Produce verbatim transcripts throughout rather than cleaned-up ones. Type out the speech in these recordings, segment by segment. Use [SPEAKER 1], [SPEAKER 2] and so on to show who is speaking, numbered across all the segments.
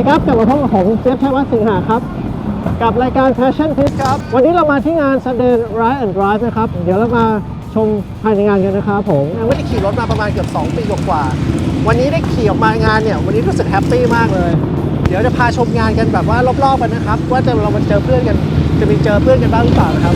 [SPEAKER 1] ดีครับกลับมาพบกับผมเจฟชัยวัฒน์สิงหาครับกับรายการ Passion Tips ครับวันนี้เรามาที่งาน Sunday Ride and Drive นะครับเดี๋ยวเรามาชมภายในงานกันนะครับผมวันนี้ขี่รถมาประมาณเกือบสองปีกว่าวันนี้ได้ขี่ออกมางานเนี่ยวันนี้รู้สึกแฮปปี้มากเลยเดี๋ยวจะพาชมงานกันแบบว่ารอบๆกันนะครับว่าจะเรามาเจอเพื่อนกันจะมีเจอเพื่อนกันบ้างหรือเปล่านะครับ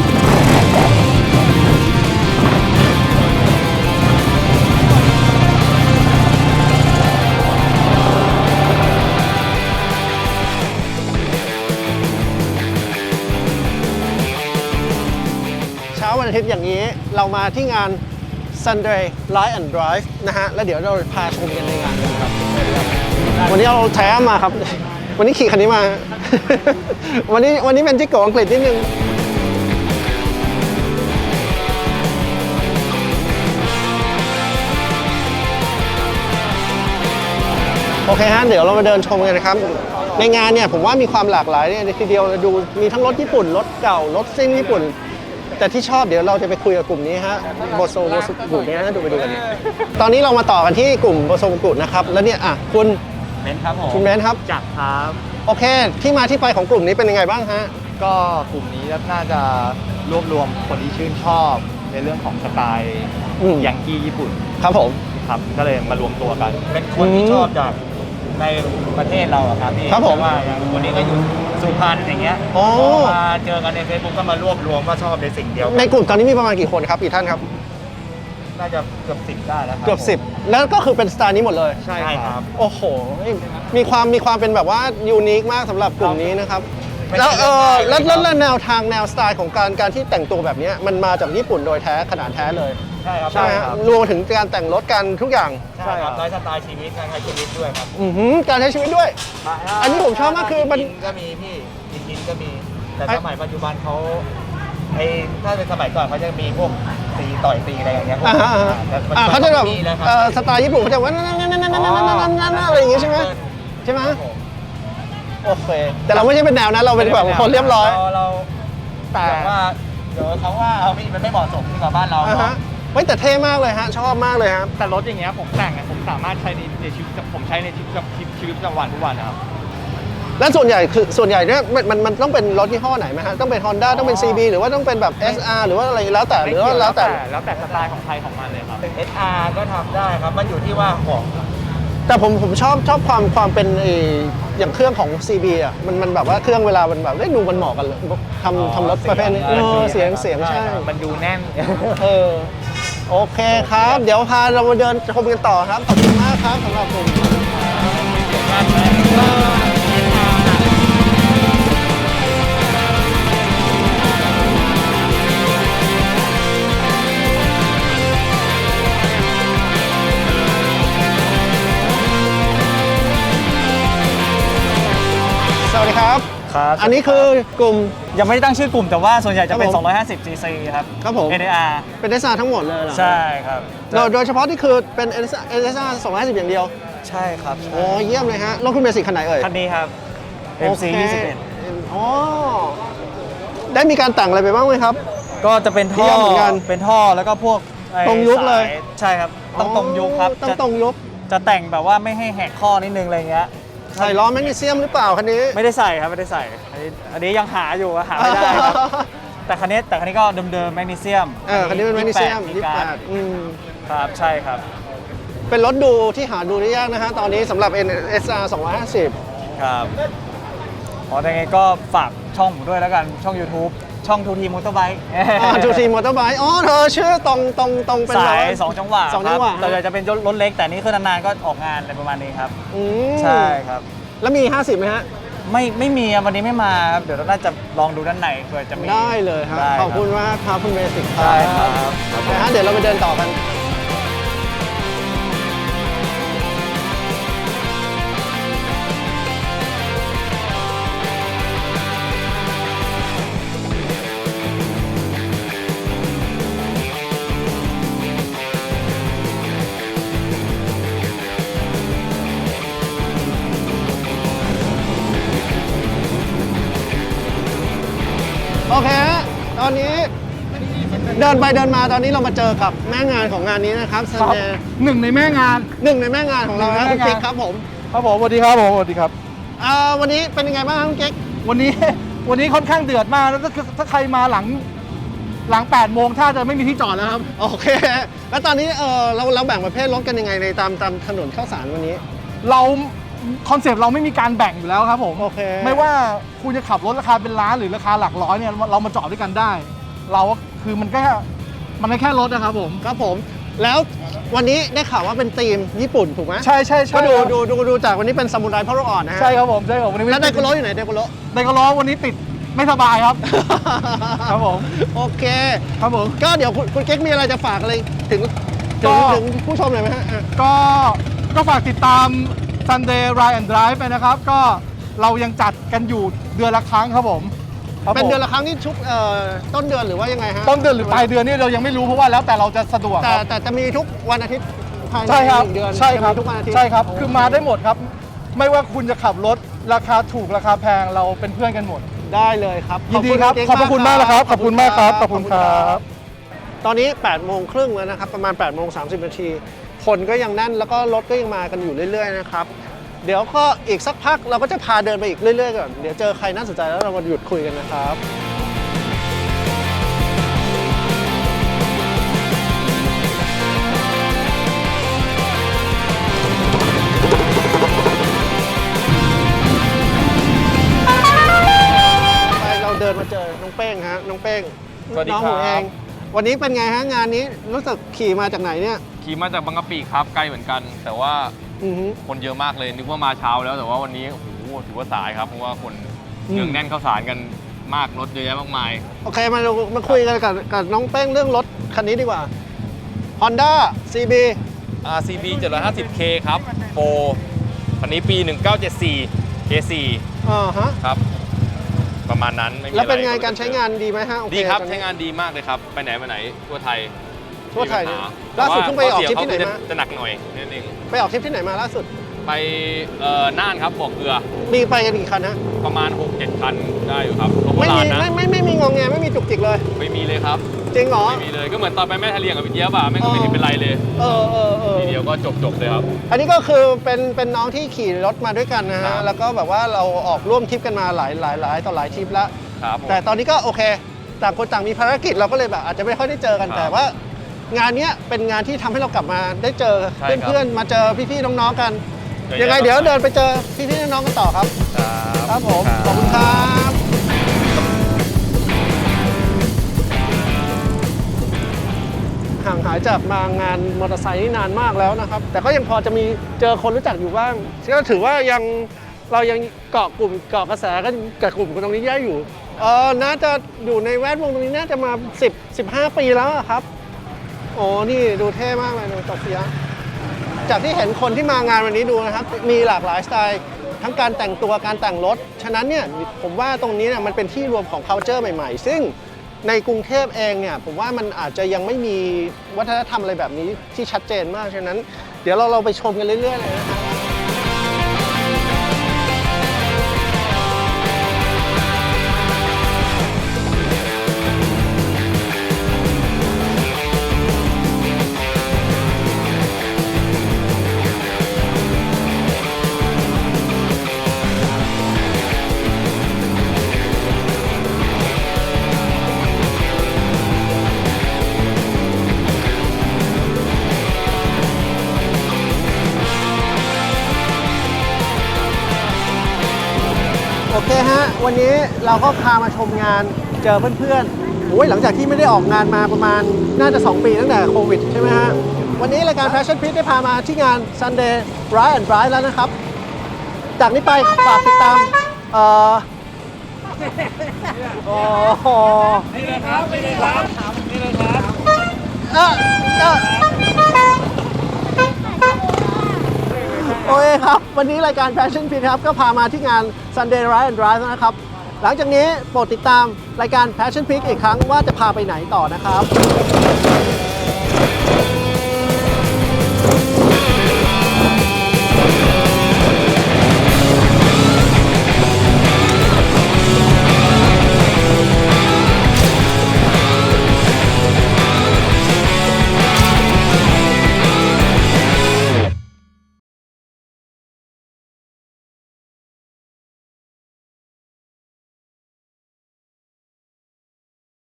[SPEAKER 1] วันอาทิตย์อย่างนี้เรามาที่งาน Sunday Ride and Drive นะฮะแล้วเดี๋ยวเราพาชมกันในงานกันครับวันนี้เอาแท้มาครับวันนี้ขี่คันนี้มา วันนี้วันนี้เป็นจิ๊กโกอังกฤษนิดนึงโอเคฮะเดี๋ยวเรามาเดินชมกันนะครับในงานเนี่ยผมว่ามีความหลากหลายเนี่ยทีเดียวดูมีทั้งรถญี่ปุ่นรถเก่ารถซิ่งญี่ปุ่นแต่ที่ชอบเดี๋ยวเราจะไปคุยกับกลุ่มนี้ฮะโบโซโบโซกลุ่มนี้นะดูไปดูกันตอนนี้เรามาต่อกันที่กลุ่มโบโซกุนะครับแล้วเนี่ยอ่ะคุณ
[SPEAKER 2] เบนครับผม
[SPEAKER 1] คุณเบนครับ
[SPEAKER 2] จักรครับ
[SPEAKER 1] โอเคที่มาที่ไปของกลุ่มนี้เป็นยังไงบ้างฮะ
[SPEAKER 2] ก็กลุ่มนี้น่าจะรวบรวมคนที่ชื่นชอบในเรื่องของสไตล์ยังกี้ญี่ปุ่น
[SPEAKER 1] ครับผม
[SPEAKER 2] ครับก็เลยมารวมตัวกันเป็นคนที่ชอบจากในประเทศเราครับพี่
[SPEAKER 1] ครับผม
[SPEAKER 2] ว่าอย่างคนนี้ก็อยู่สุพรรณอย่างเงี้ยพอมาเจอกันใน Facebook ก็มารวบรวมว่าชอบในสิ่งเดียว
[SPEAKER 1] ในกลุ่มตอนนี้มีประมาณกี่คนครับกี่ท่านครับ
[SPEAKER 2] น่าจะเกือบสิบได้แล้วครับ
[SPEAKER 1] เกือบสิบแล้วก็คือเป็นสไตล์นี้หมดเลย
[SPEAKER 2] ใช่ครับ
[SPEAKER 1] โอ้โหมีความมีความเป็นแบบว่ายูนิคมากสำหรับกลุ่มนี้นะครับแล้วเออแล้วแล้วแนวทางแนวสไตล์ของการการที่แต่งตัวแบบนี้มันมาจากญี่ปุ่นโดยแท้ขนาดแท้เลย
[SPEAKER 2] ใช่ครับ
[SPEAKER 1] ใช่ครับรวมถึงการแต่งรถกันทุกอย่าง
[SPEAKER 2] ใช่ครับไลฟ์สไตล์ชีวิตการใช้ชีวิตด้วยครับ
[SPEAKER 1] อือหือการใช้ชีวิตด้วยอันนี้ผมชอบมากคือมัน
[SPEAKER 2] ก็มีพี่กินก็มีแต่สมัยปัจจุบันเขาไอ้ถ้าเป็นสมัยก่อนเขาจะมีพวกตีต่อยตีอะไรอย่างเงี้ย
[SPEAKER 1] อ่าเขาจะแบบสไตล์ญี่ปุ่นเขาจะว่านั่นนั่นนั่นนั่นนั่นนั่นนั่นอะไรอย่างงี้ใช่ไหมใช่ไหมโอเคแต่เราไม่ใช่เป็นแนวนั้นเราเป็นแบบคนเรียบร้อย
[SPEAKER 2] เราแต่ว่าเดี๋ยวเขาว่าเอาพี่มันไม่เหมาะสมกับบ้านเรา
[SPEAKER 1] ไม่แต่เท่มากเลยฮะชอบมากเลยครับ
[SPEAKER 2] แต่รถอย่างเงี้ยผมแต่งเนี่ยผมสามารถใช้ในชีวิตผมใช้ในชีวิตกับชีวิตประจำวันทุกวันนะครับ
[SPEAKER 1] แล้วส่วนใหญ่คือส่วนใหญ่เนี่ยมันมันมันต้องเป็นรถยี่ห้อไหนไหมฮะต้องเป็น Honda ต้องเป็น ซี บี หรือว่าต้องเป็นแบบ เอส อาร์ หรือว่าอะไรแล้วแต่หรือว่าแล้วแต่
[SPEAKER 2] แล้วแต่สไตล์ของใครของมันเลยครับ เอส อาร์ ก็ทำได้ครับมันอยู่ที่ว่าของ
[SPEAKER 1] แต่ผมผมชอบชอบความความเป็นอย่างเครื่องของ ซี บี อ่ะมันมันแบบว่าเครื่องเวลามันแบบได้ดูมันเหมาะกันเลยทำทำรถประเภทนี้เสียงเสียงใช่
[SPEAKER 2] มันดูแน่น
[SPEAKER 1] เออโอเคครับเดี๋ยวพาเรามาเดินชมกันต่อครับขอบคุณมากครับสำหรับผมสวัสดีครับ
[SPEAKER 2] ครับ
[SPEAKER 1] อันนี้คือกลุ่ม
[SPEAKER 2] ยังไม่ได้ตั้งชื่อกลุ่มแต่ว่าส่วนใหญ่จะเป็นสองร้อยห้าสิบ ซี ซี ครับ
[SPEAKER 1] ครับผม
[SPEAKER 2] เอ ดี อาร์
[SPEAKER 1] เป็น เอส อาร์ ทั้งหมดเลยเหรอ
[SPEAKER 2] ใช่ครับ
[SPEAKER 1] โดยเฉพาะที่คือเป็น เอส อาร์ สองร้อยห้าสิบอย่างเดียว
[SPEAKER 2] ใช่ครับ
[SPEAKER 1] โอ้เยี่ยมเลยฮะรถคุณเบสิกคันไหนเอ่ย
[SPEAKER 2] คันนี้ครับ เอ็ม ซี ยี่สิบเอ็ด
[SPEAKER 1] อ๋อได้มีการแต่งอะไรไปบ้างไหมครับ
[SPEAKER 2] ก็จะเป็นท่อเหมือนกันเป็นท่อแล้วก็พวก
[SPEAKER 1] ตรงยุคเลย
[SPEAKER 2] ใช่ครับต้องตรงยุคครับ
[SPEAKER 1] ต้องตรงยุค
[SPEAKER 2] จะแต่งแบบว่าไม่ให้แหกข้อนิดนึงอะไรเงี้ย
[SPEAKER 1] ใส่ล้อแมกนีเซียมหรือเปล่าคันนี้
[SPEAKER 2] ไม่ได้ใส่ครับไม่ได้ใส่อันนี้อันนี้ยังหาอยู่หาไม่ได้ครับแต่คันนี้แต่คันนี้ก็เดิมๆแมกนีเซียม
[SPEAKER 1] เออคันนี้เป็นแมกนีเซียมยี่สิบแปดอืม
[SPEAKER 2] ครับใช่ครับ
[SPEAKER 1] เป็นรถดูที่หาดูได้ยากนะฮะตอนนี้สำหรับ เอส อาร์ สองร้อยห้าสิบ
[SPEAKER 2] ครับอ๋อแต่ไงก็ฝากช่องผมด้วยแล้วกันช่อง YouTube ช่อง ทู ที Motorbike
[SPEAKER 1] ทู ที Motorbike อ๋อเธอชื่อตรงตรงตรงเป็น
[SPEAKER 2] สายสองจังหวะ
[SPEAKER 1] สองจังหวะ
[SPEAKER 2] แต่จะเป็นรถเล็กแต่นี่คือนานๆก็ออกงานอะไรประมาณนี้ครับใช่ครับ
[SPEAKER 1] แล้วมีห้าสิบไหมฮะ
[SPEAKER 2] ไม่ไม่มีวันนี้ไม่มาครับเดี๋ยวเราน่าจะลองดูด้านในเผื่อจะมี
[SPEAKER 1] ได้เลยครับขอบคุณมากครับคุณเบสิก
[SPEAKER 2] ครับได้ครับ
[SPEAKER 1] นะฮะเดี๋ยวเราไปเดินต่อกันโอเคฮะตอนนี้เดินไปเดินมาตอนนี้เรามาเจอกับแม่งานของงานนี้นะครับซันเดย์
[SPEAKER 3] หนึ่งในแม่งาน
[SPEAKER 1] หนึ่งในแม่งานของเราครับคุณปิ๊กครับผม
[SPEAKER 3] ครับผมสวัสดีครับผมสวัสดีครับ
[SPEAKER 1] อ่าวันนี้เป็นยังไงบ้างครับคุณเก๊ก
[SPEAKER 3] วันนี้ วันนี้ค่อนข้างเดือดมากแล้วถ้าถ้าใครมาหลังหลังแปดโมงถ้าจะไม่มีที่จอดแล้วครับ
[SPEAKER 1] โอเค แล้วตอนนี้เออเราเราแบ่งประเภทรถกันยังไงในตามตามถนนข้าวสารวันนี้
[SPEAKER 3] เราคอนเซปต์เราไม่มีการแบ่งอยู่แล้วครับผม
[SPEAKER 1] โอเค
[SPEAKER 3] ไม่ว่าคุณจะขับรถราคาเป็นล้านหรือราคาหลักร้อยเนี่ยเรามาจอดด้วยกันได้ เราก็คือมันแค่มันแค่รถนะครับผม
[SPEAKER 1] ครับผม แล้ววันนี้ได้ข่าวว่าเป็นธีมญี่ปุ่นถูกไหม
[SPEAKER 3] ใช่ใช่ใช่
[SPEAKER 1] ก็ดู
[SPEAKER 3] ครับ
[SPEAKER 1] ดูดูดูจากวันนี้เป็นซามูไรพ่อลูกอ่อนนะฮะ
[SPEAKER 3] ใช่ครับผมใช่ครับวันนี้
[SPEAKER 1] แล้วไดโกโรอยู่ไหนไดโกโร
[SPEAKER 3] ไดโกโรวันนี้ติดไม่สบายครับ ครับผม
[SPEAKER 1] โอเค
[SPEAKER 3] ครับผม
[SPEAKER 1] ก็เดี๋ยวคุณคุณเก๊กมีอะไรจะฝากอะไรถึง
[SPEAKER 3] ก็
[SPEAKER 1] ถึงถึงผู้ชมหน่อยไหมฮะอ่ะ
[SPEAKER 3] ก็ก็ฝากติดตาม Sunday Ride and Drive ไปนะครับ ก็เรายังจัดกันอยู่เดือนละครั้งครับผมครับ
[SPEAKER 1] เป็น
[SPEAKER 3] ผม
[SPEAKER 1] เดือนละครั้งที่ชุกเอ่อต้นเดือนหรือว่ายังไงฮะ
[SPEAKER 3] ต้นเดือนหรือปลายเดือนนี่เรายังไม่รู้เพราะว่าแล้วแต่เราจะสะดวก
[SPEAKER 1] แต่
[SPEAKER 3] ครับ
[SPEAKER 1] แต่จะมีทุกวันอาทิตย์ภายใน
[SPEAKER 3] ใช่ครับ
[SPEAKER 1] หนึ่งเดือน
[SPEAKER 3] ใช่ครับ
[SPEAKER 1] จะมีทุกวันอาทิตย์
[SPEAKER 3] ใช่ครับ คือมาได้หมดครับ ไม่ว่าคุณจะขับรถราคาถูกราคาแพงเราเป็นเพื่อนกันหมด
[SPEAKER 1] ได้เลยครับ
[SPEAKER 3] ยินดีครับ
[SPEAKER 1] เก๊ก
[SPEAKER 3] ขอบพระคุณมากนะครับขอบคุณมากครับขอบคุณครับ
[SPEAKER 1] ตอนนี้แปดโมงครึ่งแล้วนะครับ ประมาณแปดโมงสามสิบนาที คนก็ยังแน่นแล้วก็รถก็ยังมากันอยู่เรื่อยๆนะครับ เดี๋ยวก็อีกสักพักเราก็จะพาเดินไปอีกเรื่อยๆก่อน เดี๋ยวเจอใครน่าสนใจแล้วเรามาหยุดคุยกันนะครับ ไปเราเดินมาเจอน้องเป้งฮะน้องเป้ง
[SPEAKER 4] สวัสดี
[SPEAKER 1] น้อง
[SPEAKER 4] ค
[SPEAKER 1] ห
[SPEAKER 4] รับ
[SPEAKER 1] นูเอง วันนี้เป็นไงฮะงานนี้รู้สึกขี่มาจากไหนเนี่ย
[SPEAKER 4] ขี่มาจากบางกะปิครับไกลเหมือนกัน แต่ว่า
[SPEAKER 1] อือฮึ
[SPEAKER 4] คนเยอะมากเลยนึกว่ามาเช้าแล้วแต่ว่าวันนี้โอ้โหถือว่าสายครับเพราะว่าคน
[SPEAKER 1] อืม
[SPEAKER 4] เนืองแน่นเข้าสารกันมากรถเยอะแยะมากมาย
[SPEAKER 1] โอเคมาดูมาคุยกันกับกับน้องเป้งเรื่องรถคันนี้ดีกว่า Honda ซี บี
[SPEAKER 4] อาร์ ซี บี เจ็ดร้อยห้าสิบเค ครับโปรคันนี้ปี หนึ่งเก้าเจ็ดสี่ เค โฟร์
[SPEAKER 1] อ่าฮะ
[SPEAKER 4] ครับ ประมาณนั้นไม่มี
[SPEAKER 1] แล้วเป็นไง
[SPEAKER 4] อะ
[SPEAKER 1] การใช้งานดีไหมฮะโอเ
[SPEAKER 4] ดีครับ
[SPEAKER 1] ตอ
[SPEAKER 4] ใช้งานดีมากเลยครับ ไปไหนมาไหนทั่วไทย
[SPEAKER 1] ทั่วไทยเนี่ย
[SPEAKER 4] ม่มีปัญห
[SPEAKER 1] ล่าสุดเพิ่งไปออกทริป
[SPEAKER 4] แต่
[SPEAKER 1] ที่ไหน
[SPEAKER 4] ว่
[SPEAKER 1] มา
[SPEAKER 4] ข้อเสียเขคือจะจะหนักหน่อยนิดนึง
[SPEAKER 1] ไปออกทริปที่ไหนมาล่าสุด
[SPEAKER 4] ไปเอ่อน่านครับบ่อเกลือ
[SPEAKER 1] มีไปกันกี่คันฮะ
[SPEAKER 4] ประมาณ หกเจ็ด คันได้อยู่ครับรถโบ
[SPEAKER 1] ไม่
[SPEAKER 4] รา
[SPEAKER 1] มี
[SPEAKER 4] ณนะ
[SPEAKER 1] ไม่ไม่ไม่มีงงแงไม่มีจุกจิกเลย
[SPEAKER 4] ไม่มีเลยครับ
[SPEAKER 1] จริงเหรอ
[SPEAKER 4] ไม่มีเลยก็เหมือนตอนไปแม่ทะเลียงกับพี่เจี๊ยบอะแม่งก็ไม่เห็นเป็นไรเลย
[SPEAKER 1] เออเออเออ
[SPEAKER 4] ทีเดียวก็จบจบเลยครับ
[SPEAKER 1] อันนี้ก็คือเป็นเป็นน้องที่ขี่รถมาด้วยกันนะ
[SPEAKER 4] ครั
[SPEAKER 1] ฮะ
[SPEAKER 4] บ
[SPEAKER 1] แล้วก็แบบว่าเราออกร่วมทริปกันมาหลายหลายหลายต่อหลายทริปแล้ว
[SPEAKER 4] ครับผม
[SPEAKER 1] แต่ตอนนี้ก็โอเค ต่างคนต่างมีภารกิจเราก็เลยแบบอาจจะไม่ค่อยได้เจอกัน
[SPEAKER 4] ครับ
[SPEAKER 1] แต่ว่า งานเนี้ยเป็นงานที่ทำให้เรากลับมาได้เจอ
[SPEAKER 4] ใช่ครับ
[SPEAKER 1] เพื่อนๆมาเจอพี่ๆน้องๆกัน
[SPEAKER 4] เยอะแยะ
[SPEAKER 1] ยังไงเดี๋ยวเดินไปเจอพี่ๆน้องๆกันต่อครับ ครับผม ขอบคุณครับห่างหายจากมางานมอเตอร์ไซค์นี่นานมากแล้วนะครับ แต่ก็ยังพอจะมีเจอคนรู้จักอยู่บ้างก็ถือว่ายังเรายังเกาะกลุ่มเกาะกระแสกันกับกลุ่มคนตรงนี้ได้อยู่เออน่าจะอยู่ในแวดวงตรงนี้น่าจะมาสิบ สิบห้าปีแล้วอะครับโอ้นี่ดูเท่มากเลยดูต่อเสียจากที่เห็นคนที่มางานวันนี้ดูนะครับมีหลากหลายสไตล์ทั้งการแต่งตัวการแต่งรถฉะนั้นเนี่ยผมว่าตรงนี้เนี่ยมันเป็นที่รวมของ culture ใหม่ๆ ซึ่งในกรุงเทพเองเนี่ยผมว่ามันอาจจะยังไม่มีวัฒนธรรมอะไรแบบนี้ที่ชัดเจนมากฉะนั้นเดี๋ยวเราเราไปชมกันเรื่อยๆเลยนะครับโอเคฮะวันนี้เราก็พามาชมงานเจอเพื่อนๆโอ้ยหลังจากที่ไม่ได้ออกงานมาประมาณน่าจะสองปีตั้งแต่โควิดใช่ไหมฮะวันนี้รายการ Passion Pit ได้พามาที่งาน Sunday Ride and Drive แล้วนะครับ จากนี้ไปฝากติดตามเอ่อโอ้โหนี่เลยครับนี่เลยครับนี่เลยครับเออเออโอเคครับ วันนี้รายการ Passion Pit ครับก็พามาที่งาน Sunday Ride and Drive นะครับ หลังจากนี้โปรดติดตามรายการ Passion Pit อีกครั้งว่าจะพาไปไหนต่อนะครับ